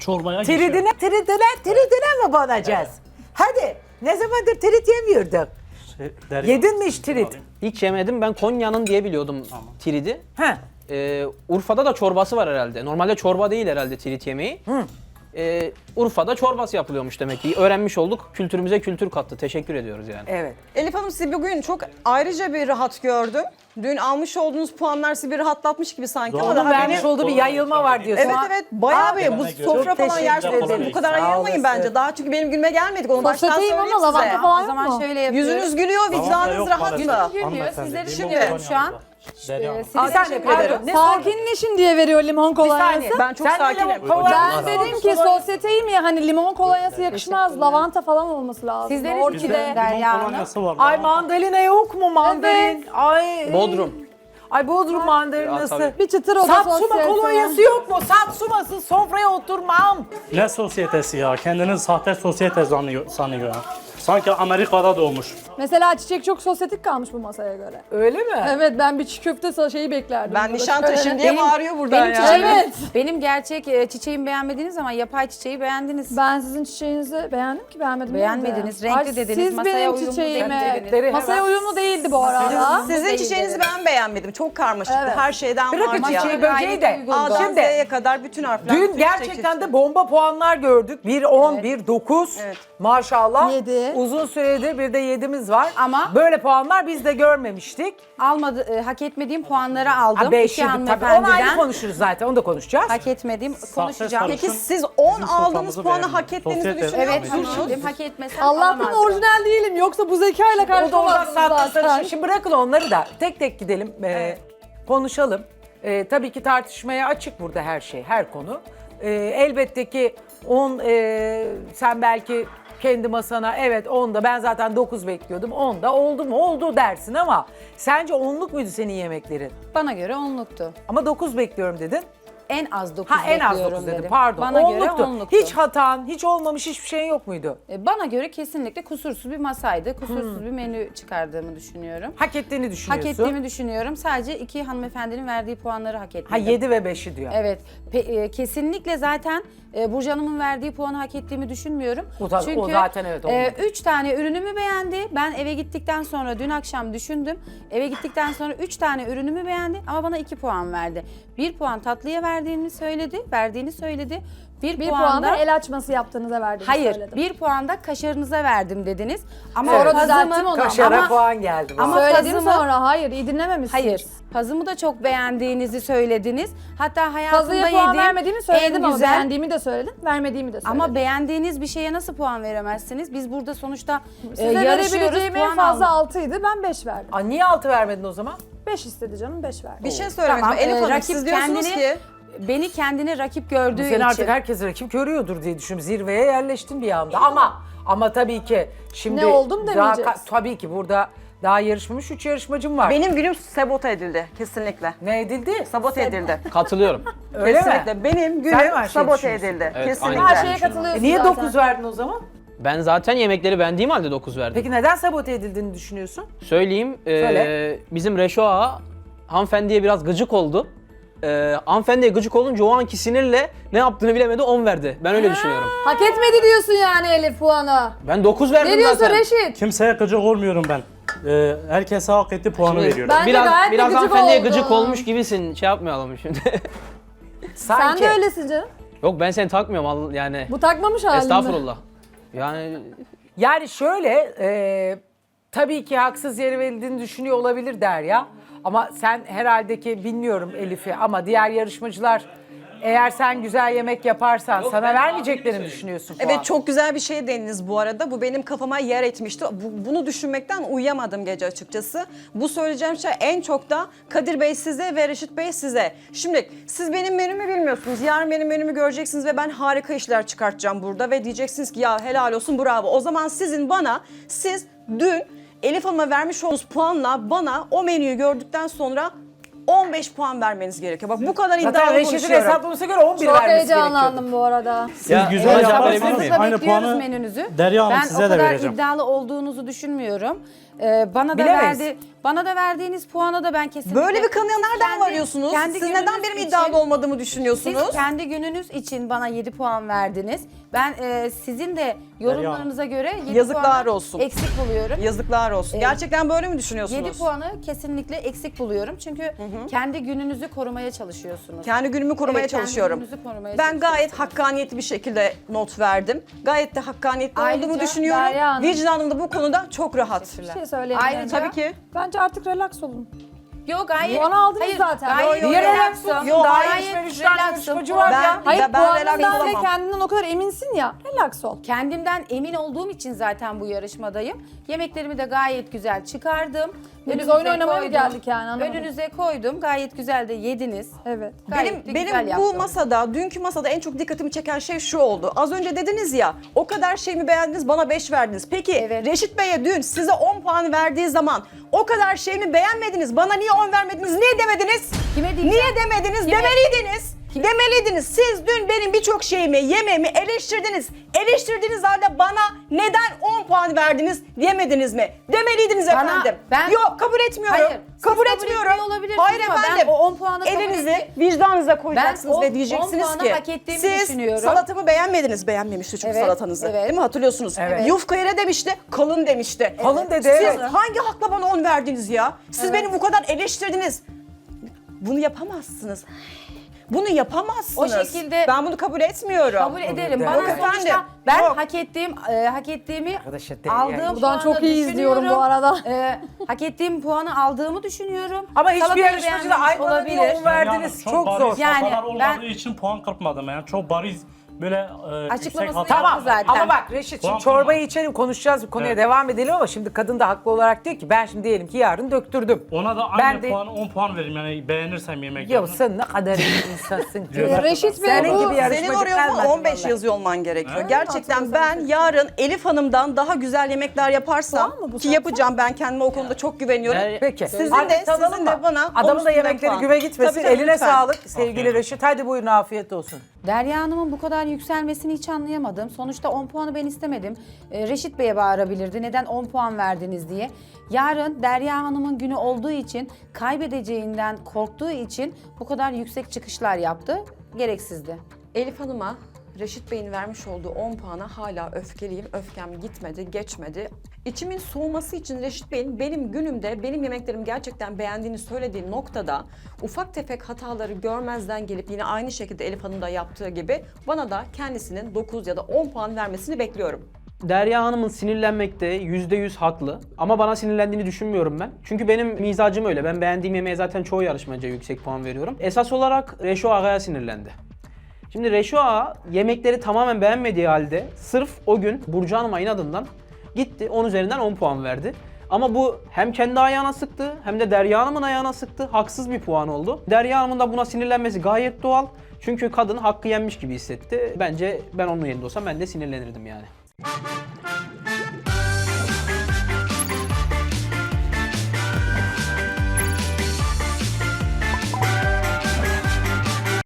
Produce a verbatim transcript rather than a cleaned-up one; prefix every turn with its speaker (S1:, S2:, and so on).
S1: çorbaya geçiyor.
S2: Tridine, tridine, tridine mi banacağız? Hadi. Ne zamandır trit yemiyorduk?
S1: Şey, Derya,
S2: Yedin mi hiç trit?
S1: alayım.
S3: Hiç yemedim. Ben Konya'nın diye biliyordum tridi.
S2: He.
S3: Ee, Urfa'da da çorbası var herhalde. Normalde çorba değil herhalde trit yemeği.
S2: Hı.
S3: Ee, Urfa'da çorbası yapılıyormuş demek ki. Öğrenmiş olduk. Kültürümüze kültür kattı. Teşekkür ediyoruz yani.
S2: Evet.
S4: Elif Hanım sizi bugün çok ayrıca bir rahat gördüm. Dün almış olduğunuz puanlar sizi bir rahatlatmış gibi sanki ama
S2: Onun
S4: daha
S2: vermiş
S4: beni...
S2: olduğu bir yayılma var diyorsun.
S4: Evet evet bayağı bir bu
S1: Çok
S4: sofra falan
S2: teşekkür
S4: yersiniz.
S2: ederim.
S4: Bu kadar
S2: Sağ
S4: ayırmayın
S2: olasın.
S4: bence. Daha çünkü benim gülme gelmedik onu baştan
S5: Sosyeteyim
S4: söyleyeyim
S5: ama lavanta
S4: size.
S5: falan
S6: O
S5: yok
S6: zaman
S5: mu?
S6: şöyle yapıyoruz.
S4: Yüzünüz gülüyor, vicdanınız rahat mı?
S6: Gülüyor, sizleri düşünüyorum şu an.
S1: Derya Hanım.
S2: Aa, sen de
S4: Teşekkür
S2: pardon.
S4: ederim.
S2: Ne sordun?
S5: Sakinleşin diye veriyor limon
S2: Bir
S5: kolonyası.
S2: saniye.
S4: Ben çok
S2: Sen de
S4: sakinim.
S2: limon kolonyası
S5: Ben
S2: sordun.
S5: dedim ki sosyeteyim ya hani limon kolonyası yakışmaz. Lavanta falan olması lazım.
S6: Sizleri
S5: Orkide.
S6: düşünüyorum Derya
S1: Limon
S6: Hanım.
S1: kolonyası var.
S2: Ay mandalina yok mu mandalin? Ay.
S3: Bodrum.
S2: Ay Bodrum mandalinası.
S3: tabii.
S5: Bir çıtır oda
S2: Satsuma
S5: sosyete.
S2: kolonyası yok mu? Satsumasız sofraya oturmam.
S1: Ne sosyetesi ya? Kendini sahte sosyete sanıyor. sanıyor. Sanki Amerika'da doğmuş.
S5: Mesela çiçek çok sosyetik kalmış bu masaya göre.
S2: Öyle mi?
S5: Evet ben bir çiğ köfte sa- şeyi beklerdim.
S4: Ben
S5: burada.
S4: Nişantaşı'm
S5: Şöyle.
S4: diye
S6: Benim-
S4: bağırıyor buradan
S6: benim
S4: ya.
S6: çiçeğim-
S5: Evet.
S6: Benim gerçek e, çiçeğimi beğenmediniz ama yapay çiçeği beğendiniz.
S5: Ben sizin çiçeğinizi beğendim ki beğenmedim.
S6: Beğenmediniz,
S5: değil mi?
S6: renkli
S5: Ay,
S6: dediniz,
S5: Siz
S6: masaya
S5: benim
S6: uyumlu
S5: çiçeğime.
S6: dediniz.
S5: Masaya uyumlu değildi bu arada.
S4: Sizin
S6: Değil
S4: çiçeğinizi
S6: dedi.
S4: ben beğenmedim. Çok karmaşıktı.
S5: Evet.
S4: Her şeyden
S2: Bırakın
S4: vardı ya.
S2: çiçeği böceği de.
S6: Gayet uygundu.
S4: A'dan
S2: Şimdi
S4: Z'ye kadar bütün harfler.
S2: dün
S4: bütün
S2: gerçekten
S4: çiçek
S2: de bomba puanlar gördük. bir on, bir dokuz.
S4: Evet.
S2: Maşallah.
S5: Yedi.
S2: Uzun süredir bir de yedimiz var.
S6: Ama-
S2: böyle puanlar biz de görmemiştik.
S6: Almadı, e, hak etmediğim puanları aldım.
S2: Ha beş
S6: İki
S2: yedi tabii. Onu ayrı
S6: hanımefendiden.
S2: konuşuruz zaten. Onu da konuşacağız.
S6: Hak etmediğim konuşacağım.
S1: sarı-
S4: Peki siz on
S1: Bizim
S4: aldığınız
S1: soframızı
S4: puanı
S1: beğendim.
S4: hak ettiğinizi
S1: Sosyete-
S4: düşünüyor
S6: Evet
S4: musunuz?
S6: düşündüm. Hak etmesem
S5: Allah'tan
S6: alamazdım.
S5: orijinal değilim. Yoksa bu zekayla
S2: O da oradan
S5: karşılamazsınız
S2: sattı
S5: zaten.
S2: sarışın. Şimdi bırakın onları da tek tek gidelim. Ee, konuşalım. Ee, tabii ki tartışmaya açık burada her şey, her konu. Ee, elbette ki on sen belki kendi masana evet onda ben zaten dokuz bekliyordum. onda oldu mu oldu dersin ama sence onluk muydu senin yemeklerin?
S6: Bana göre onluktu.
S2: Ama dokuz bekliyorum dedin.
S6: En az dokuz
S2: Ha en az
S6: bekliyorum
S2: dokuz dedim
S6: dedim.
S2: pardon.
S6: Bana göre
S2: onluktu.
S6: onluktu.
S2: Hiç hatan, hiç olmamış hiçbir şeyin yok muydu?
S6: E, Bana göre kesinlikle kusursuz bir masaydı. Kusursuz
S2: Hmm.
S6: bir menü çıkardığımı düşünüyorum.
S2: Hak ettiğini
S6: Hak
S2: düşünüyorsun.
S6: ettiğimi düşünüyorum. Sadece iki hanımefendinin verdiği puanları hak etmedim.
S2: Ha yedi ve beşi diyor.
S6: Evet. Pe- e, kesinlikle zaten e, Burcu Hanım'ın verdiği puanı hak ettiğimi düşünmüyorum.
S2: O da- o
S6: Çünkü
S2: zaten evet,
S6: e,
S2: olmadı.
S6: üç tane ürünümü beğendi. Ben eve gittikten sonra dün akşam düşündüm. Eve gittikten sonra üç tane ürünümü beğendi ama bana iki puan verdi. Bir puan tatlıya verdiğini söyledi, verdiğini söyledi. Bir,
S5: Bir
S6: puan
S5: puan
S6: da
S5: da el açması yaptığınıza verdiğini
S6: hayır,
S5: söyledim.
S6: bir puan da kaşarınıza verdim dediniz. Ama
S5: Sonra
S6: pazımı-
S5: düzelttim onu.
S2: Kaşara
S6: ama-
S2: puan geldi. bu
S6: ama-
S2: arada.
S5: Söyledim
S6: pazımı-
S5: sonra. Hayır iyi dinlememişsiniz.
S6: Hayır. Pazımı da çok beğendiğinizi söylediniz. Hatta hayatımda
S5: Pazıya puan
S6: yediğim
S5: vermediğimi söyledim
S6: en
S5: ama
S6: güzel.
S5: beğendiğimi de söyledim, vermediğimi de söyledim.
S6: Ama beğendiğiniz bir şeye nasıl puan veremezsiniz? Biz burada sonuçta e,
S5: Size
S6: yarışıyoruz.
S5: verebileceğim en
S6: Puan
S5: fazla
S6: aldık.
S5: altıydı, ben beş verdim.
S2: Aa, niye altı vermedin o zaman?
S5: beş istedi canım, beş verdim.
S4: Bir şey söylemek
S6: Tamam,
S4: istiyorum. Elif
S6: e,
S4: Hanım
S6: rakip
S4: siz diyorsunuz
S6: kendini-
S4: ki
S6: Beni kendine rakip gördüğü
S2: Sen
S6: için.
S2: artık herkes rakip görüyordur diye düşünüyorum. Zirveye yerleştin bir anda. Ama ama tabii ki şimdi
S5: Ne oldum
S2: daha
S5: demeyeceğiz.
S2: ka- tabii ki burada daha yarışmamış üç yarışmacım var.
S4: benim günüm sabote edildi kesinlikle.
S2: Ne edildi?
S4: Sabote edildi.
S3: Katılıyorum.
S2: Öyle mi?
S4: Kesinlikle. Benim
S2: Sen mi
S4: günüm
S2: her şeyi
S4: sabote
S2: düşünüyorsun?
S4: edildi.
S3: Evet,
S4: Kesinlikle.
S3: aynen.
S5: Her şeye katılıyorsun
S2: E niye
S5: zaten.
S2: dokuz verdin o zaman?
S3: Ben zaten yemekleri beğendiğim halde dokuz verdim.
S2: Peki neden sabote edildiğini düşünüyorsun?
S3: Söyleyeyim, e,
S2: Söyle.
S3: bizim Reşo Ağa hanımefendiye biraz gıcık oldu. E, hanımefendiye gıcık olunca o anki sinirle ne yaptığını bilemedi, on verdi. Ben öyle düşünüyorum.
S5: Hak etmedi diyorsun yani Elif puanı.
S3: Ben dokuz verdim
S5: Ne diyorsun
S3: zaten.
S5: Reşit?
S1: Kimseye gıcık olmuyorum ben. Ee, herkese hak ettiği puanı
S3: Şimdi
S1: veriyorum.
S5: Ben de
S3: biraz
S5: gayet de
S3: biraz
S5: gıcık
S3: hanımefendiye
S5: oldum.
S3: gıcık olmuş gibisin. Şey yapmayalım şimdi.
S5: Sen
S2: Sanki.
S5: de öylesin canım.
S3: Yok ben seni takmıyorum al- yani.
S5: Bu takmamış halinde.
S3: Estağfurullah. Yani
S2: Yani şöyle e, tabii ki haksız yere verildiğini düşünüyor olabilir Derya. Ama sen herhalde ki bilmiyorum Elif'i ama diğer yarışmacılar eğer sen güzel yemek yaparsan sana vermeyeceklerini düşünüyorsun puan.
S4: Evet çok güzel bir şey deniniz bu arada. Bu benim kafama yer etmişti. Bu- bunu düşünmekten uyuyamadım gece açıkçası. Bu söyleyeceğim şey en çok da Kadir Bey size ve Reşit Bey size. Şimdi siz benim menümü bilmiyorsunuz. Yarın benim menümü göreceksiniz ve ben harika işler çıkartacağım burada. Ve diyeceksiniz ki ya helal olsun bravo. O zaman sizin bana, siz dün Elif Hanım'a vermiş olduğunuz puanla bana o menüyü gördükten sonra on beş puan vermeniz gerekiyor. Bak bu kadar
S2: Zaten
S4: iddialı
S2: Reşit'in
S4: konuşuyorum.
S2: hesaplamasına göre on bir
S5: Çok
S2: vermesi gerekiyordu.
S5: heyecanlandım bu arada.
S1: Siz
S3: Ya,
S1: güzel
S3: hocam,
S1: yaparsanız
S3: verebilir miyim?
S1: aynı
S6: Bekliyoruz
S1: puanı
S6: menünüzü.
S1: Derya Hanım
S6: ben
S1: size
S6: o
S1: de
S6: kadar
S1: vereceğim.
S6: iddialı olduğunuzu düşünmüyorum. Ee, bana da
S2: Bilemeyiz.
S6: verdi, bana da verdiğiniz puana da ben kesinlikle...
S4: Böyle bir kanıya nereden
S6: Kendi-
S4: varıyorsunuz?
S6: kendi
S4: Siz neden
S6: gününüz
S4: benim
S6: için-
S4: iddialı olmadığımı düşünüyorsunuz?
S6: Siz kendi gününüz için bana yedi puan verdiniz. Ben e, sizin de yorumlarınıza göre yedi
S4: Yazıklar
S6: puanı
S4: olsun.
S6: eksik buluyorum.
S4: Yazıklar olsun.
S6: Ee,
S4: Gerçekten böyle mi düşünüyorsunuz?
S6: yedi puanı kesinlikle eksik buluyorum. Çünkü kendi gününüzü korumaya çalışıyorsunuz.
S4: Kendi günümü korumaya
S6: Evet, kendi
S4: çalışıyorum.
S6: gününüzü korumaya
S4: Ben gayet
S6: çalışıyorsunuz.
S4: hakkaniyetli bir şekilde not verdim. Gayet de hakkaniyetli
S6: Ayrıca
S4: olduğumu düşünüyorum.
S5: Derya Hanım-
S4: Vicdanım da bu konuda çok rahat.
S5: Bir şey söyleyeyim.
S6: Ayrıca-
S5: bence.
S4: Tabii ki.
S5: Bence artık relax olun.
S6: Yok hayır.
S5: Puanı aldınız
S6: hayır,
S5: zaten.
S6: Gayet
S2: Yo, yo,
S6: relaxım.
S2: relaxım.
S4: Yo,
S2: Daha
S4: hayır,
S2: yetişmemiş tane
S6: relaxım.
S2: yarışmacı var
S4: Ben-
S2: ya.
S5: Hayır
S4: ben relax
S5: puanından ve
S4: olamam.
S5: kendinden o kadar eminsin ya. Relax ol.
S6: Kendimden emin olduğum için zaten bu yarışmadayım. Yemeklerimi de gayet güzel çıkardım.
S5: Biz
S6: Önünüze
S5: oyun oynamaya mı
S6: koydum.
S5: geldik yani, anlamadım.
S6: Önünüze koydum. Gayet güzel de yediniz.
S5: Evet.
S6: Gayet
S4: Benim
S6: de
S4: benim
S6: güzel
S4: bu
S6: yaptım.
S4: masada, dünkü masada en çok dikkatimi çeken şey şu oldu. Az önce dediniz ya, o kadar şey mi beğendiniz, bana beş verdiniz. Peki
S6: Evet.
S4: Reşit Bey'e dün size on puan verdiği zaman o kadar şey mi beğenmediniz, bana niye on vermediniz, niye demediniz?
S6: Kime diyeceğim?
S4: Niye demediniz?
S6: Kime?
S4: Demeliydiniz. Demeliydiniz. Siz dün benim birçok şeyimi, yemeğimi eleştirdiniz. Eleştirdiğiniz halde bana neden on puan verdiniz diyemediniz mi? Demeliydiniz
S6: Bana-
S4: efendim.
S6: ben-
S4: Yok, kabul etmiyorum.
S6: Hayır, siz
S4: kabul
S6: kabul
S4: etmiyorum.
S6: etmiyor olabilirsiniz
S4: Hayır
S6: ama ben
S4: efendim.
S6: o on puanı kabul
S4: Elinizi
S6: etti-
S4: vicdanınıza
S6: Ben
S4: koyacaksınız
S6: o
S4: ve
S6: on
S4: diyeceksiniz
S6: puanı
S4: ki
S6: hak ettiğimi
S4: siz
S6: düşünüyorum.
S4: salatamı beğenmediniz. Beğenmemişti çünkü
S6: Evet,
S4: salatanızı.
S6: evet.
S4: Değil mi? Hatırlıyorsunuz.
S2: Evet.
S4: Yufkaya ne demişti? Kalın demişti.
S2: Kalın dedi,
S4: Siz
S2: evet.
S4: hangi hakla bana on verdiniz ya? Siz beni bu kadar eleştirdiniz. Bunu yapamazsınız. Bunu yapamazsınız.
S6: O şekilde-
S4: ben bunu kabul etmiyorum.
S6: Kabul ederim.
S2: Yok
S6: Bana
S4: efendim,
S6: sonuçta ben
S4: yok.
S6: hak ettiğim e, hak ettiğimi
S2: Arkadaşlar, de-
S6: aldığım
S2: yani-
S5: Buradan
S6: puanı
S5: çok iyi izliyorum bu arada.
S6: E, hak ettiğim puanı aldığımı düşünüyorum.
S2: Ama hiçbir
S6: Salatayı
S2: yarışmacı da
S6: beğenmemiş
S2: ay bana niye on verdiniz,
S1: Yani
S2: çok
S1: bariz
S2: zor.
S6: Yani
S1: hatalar olmadığı
S6: ben-
S1: için puan kırpmadım yani. Çok bariz böyle e, yüksek
S6: Açıklamasını
S1: hata.
S2: Tamam
S6: yaptı zaten.
S2: ama bak Reşit şimdi
S1: Puan
S2: çorbayı
S1: kırma.
S2: içelim, konuşacağız, bu konuya
S1: Evet.
S2: devam edelim ama şimdi kadın da haklı olarak diyor ki ben şimdi diyelim ki yarın döktürdüm.
S1: Ona da
S2: Ben
S1: aynı
S2: de-
S1: puanı on puan veririm yani beğenirsem yemek
S2: Ya sen ne kadar iyi insansın ki.
S1: Evet.
S5: Reşit Bey
S2: Senin
S5: bu
S2: gibi yarışmacı
S4: Senin oraya
S2: kalmadı
S4: on beş
S2: vallahi.
S4: yazıyor olman gerekiyor.
S1: Evet.
S4: Gerçekten ben yarın Elif Hanım'dan daha güzel yemekler yaparsam
S5: Puan mı bu
S4: ki
S5: zaten?
S4: yapacağım, ben kendime o konuda çok güveniyorum.
S3: Yani-
S2: Peki.
S4: Sizin
S2: Hadi
S4: de-
S2: tadalım
S4: sizin
S2: mı?
S4: de bana on
S2: Adamın da
S4: üstünden
S2: yemekleri
S4: puan.
S2: güve gitmesin.
S4: Tabii, tabii,
S2: Eline
S4: lütfen.
S2: sağlık sevgili
S1: Afiyet
S2: Reşit. Hadi buyurun, afiyet olsun.
S6: Derya Hanım'ın bu kadar yükselmesini hiç anlayamadım. Sonuçta on puanı ben istemedim. Ee, Reşit Bey'e bağırabilirdi. Neden on puan verdiniz diye. Yarın Derya Hanım'ın günü olduğu için, kaybedeceğinden korktuğu için bu kadar yüksek çıkışlar yaptı. Gereksizdi.
S4: Elif Hanım'a Reşit Bey'in vermiş olduğu on puana hala öfkeliyim. Öfkem gitmedi, geçmedi. İçimin soğuması için Reşit Bey'in benim günümde benim yemeklerimi gerçekten beğendiğini söylediği noktada ufak tefek hataları görmezden gelip yine aynı şekilde Elif Hanım da yaptığı gibi bana da kendisinin dokuz ya da on puan vermesini bekliyorum.
S3: Derya Hanım'ın sinirlenmekte yüzde yüz haklı. Ama bana sinirlendiğini düşünmüyorum ben. Çünkü benim mizacım öyle. Ben beğendiğim yemeğe zaten çoğu yarışmacıya yüksek puan veriyorum. Esas olarak Reşo Ağa'ya sinirlendi. Şimdi Reşo Ağa yemekleri tamamen beğenmediği halde sırf o gün Burcu Hanım'a inadından gitti on üzerinden on puan verdi. Ama bu hem kendi ayağına sıktı hem de Derya Hanım'ın ayağına sıktı. Haksız bir puan oldu. Derya Hanım'ın da buna sinirlenmesi gayet doğal. Çünkü kadın hakkı yenmiş gibi hissetti. Bence ben onun yerinde olsam ben de sinirlenirdim yani.